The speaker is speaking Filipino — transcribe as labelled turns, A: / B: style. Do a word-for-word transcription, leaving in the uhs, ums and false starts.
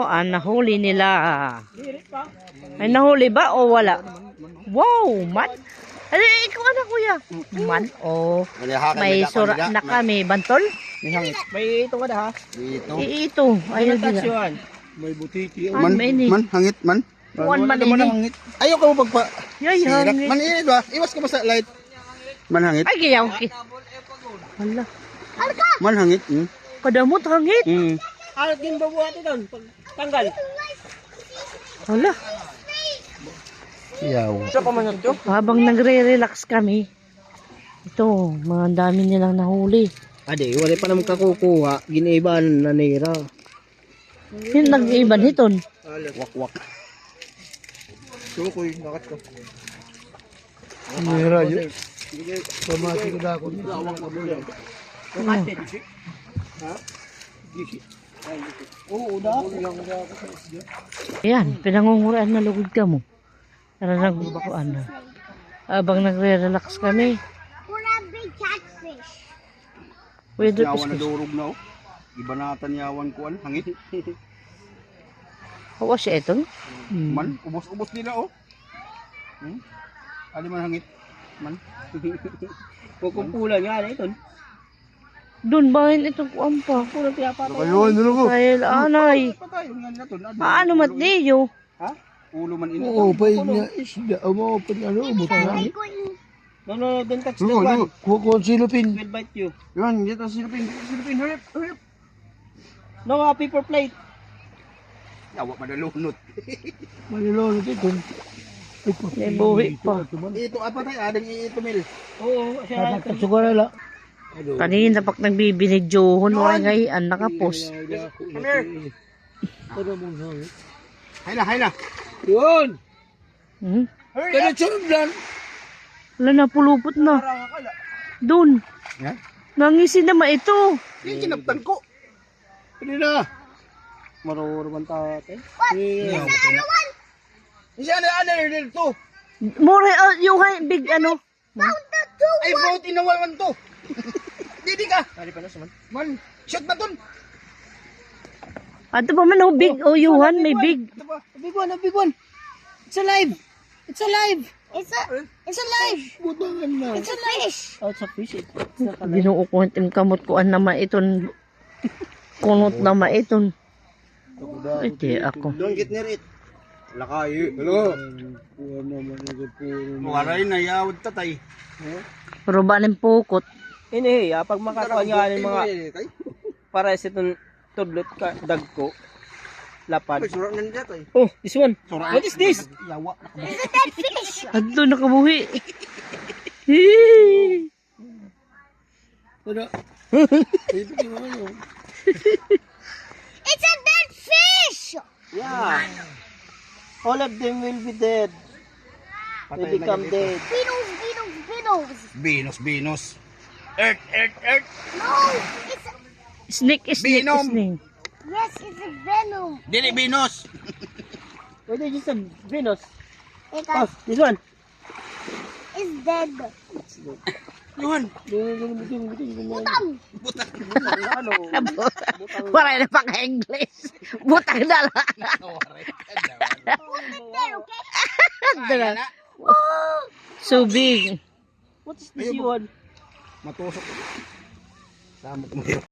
A: ang nahuli nila. May nahuli ba o wala? Wow, man. Ano, ikaw ano kuya? Man, oh. May sura na kami. Bantol?
B: May hangit. May ito ka na ha?
C: Dito.
A: Ito. Ayun din.
B: May butiki.
C: Man, man, hangit man.
A: Kuan man ini.
C: Ayaw ka mo pagpa...
A: Yay,
C: Sirak.
A: hangit.
C: Man, init ba? Iwas ka ba sa light? Man, hangit.
A: Ay, kaya okay. Hala.
C: Man, hangit. Hmm.
A: Kadamot hangit.
C: Hmm.
B: Alat din ba buhat ito? Tanggal.
A: Hala.
C: Yaw.
B: Ito pa man ito?
A: Habang nagre-relax kami, ito, mga dami nilang nahuli.
B: Ade, wala pa naman kakukuha. Giniban na nira.
A: Yung nag-iban hiton.
C: Wak, wak.
B: Sukoy, nakat ko.
C: Nira yun.
B: Pamati ko na ako. Oo, da.
A: Ayan, pinangunguraan na lugod ka mo. Tara nagbukuan na. Habang nagre-relax kami.
D: Big catfish.
A: Pwede
C: Yawan na
A: piskus.
C: durog na oh. Iba natan yawan ko an hangit.
A: Hawa siya ito?
C: Man, ubos-ubos nila oh. Hmm? Ali man hangit. Man.
B: Kukumpulan nga na ito.
A: Doon bahin itong kuwan pa.
B: Kulang kaya pa ito.
C: Ayun, dulo ko.
A: Dahil anay.
C: Patay nga na to.
A: Paano mat niyo?
C: Ha? Ulo man ina.
E: Oo, pa niya isda. Amo pa ano, umutan na.
B: No, no, don't touch the
C: Dulo, dulo.
B: one.
E: Kuha ko ang silupin.
B: Will bite you.
C: Yan, dito silupin, silupin, hurip, hurip.
B: No, uh, paper plate.
C: Yawa madalunot.
E: Malilolo dito.
A: May buhi pa.
C: Ito apa tayo, ading ito mil.
B: Oo, siya.
E: Siguro la.
A: Kanina pag nagbibinidyohon, wala ngayon, nakapos.
C: Come here. Hayla, hayla.
E: Yun!
A: Hmm?
E: Kaya churublan.
A: Wala na, pulupot na. Doon.
C: Yan.
A: Nangisin naman ito.
C: Yung kinaptan ko.
E: Hindi na.
B: Marurman tate.
C: Yan, okay na. Isa ano, ano, dito.
A: More, uh, yung hay- big ano.
C: Ay, vote in the wall man to. Didi ka.
B: Kali pa na saman.
C: Man, shot ba dun?
A: Ato pa man, oh, big. Oh, Yuhan, may big.
C: Ito ba?
B: A big one, a big one. It's alive. It's alive.
D: It's a, it's alive.
E: Butangan na.
D: It's a fish.
B: Oh, it's a fish. It's not alive.
A: Ginoo ko ang kamot ko an naman iton. Kunot naman iton. Ay, di ako.
C: Don't get near it. Lakay. Hello.
E: Kuha naman ito puro.
C: Waray na yawad tatay.
A: Pero ba ng pukot?
B: Ini, ah, pag makatuan nga ng mga
C: Kay.
B: para sa itong tudlot ka, dag ko, lapad.
C: Ay, surak na niya tayo.
B: Oh, this one.
C: Surak.
B: What is this?
C: Yawa.
D: It's a dead fish.
A: Ato nakabuhi. Hee.
E: Tada. Ito yung mga yun.
D: It's a dead fish.
B: Yeah. All of them will be dead. They become dead.
D: Beetles, beetles, beetles.
C: Venus, Venus. Earth, Earth, Earth.
D: No, it's a,
A: Snake, snake,
C: Venom.
A: snake.
D: yes, it's a venom.
C: Dili, Venus.
B: What is this? Venus.
D: It
B: Oh, this one.
D: is dead.
C: Yuhan.
D: Butang.
C: Butang.
B: Ano?
A: Wala na pang English. Butang na lang.
C: Waray.
D: There, okay?
C: Kaya na.
A: So big.
B: What is this one?
C: Matusok. Samot mo yun.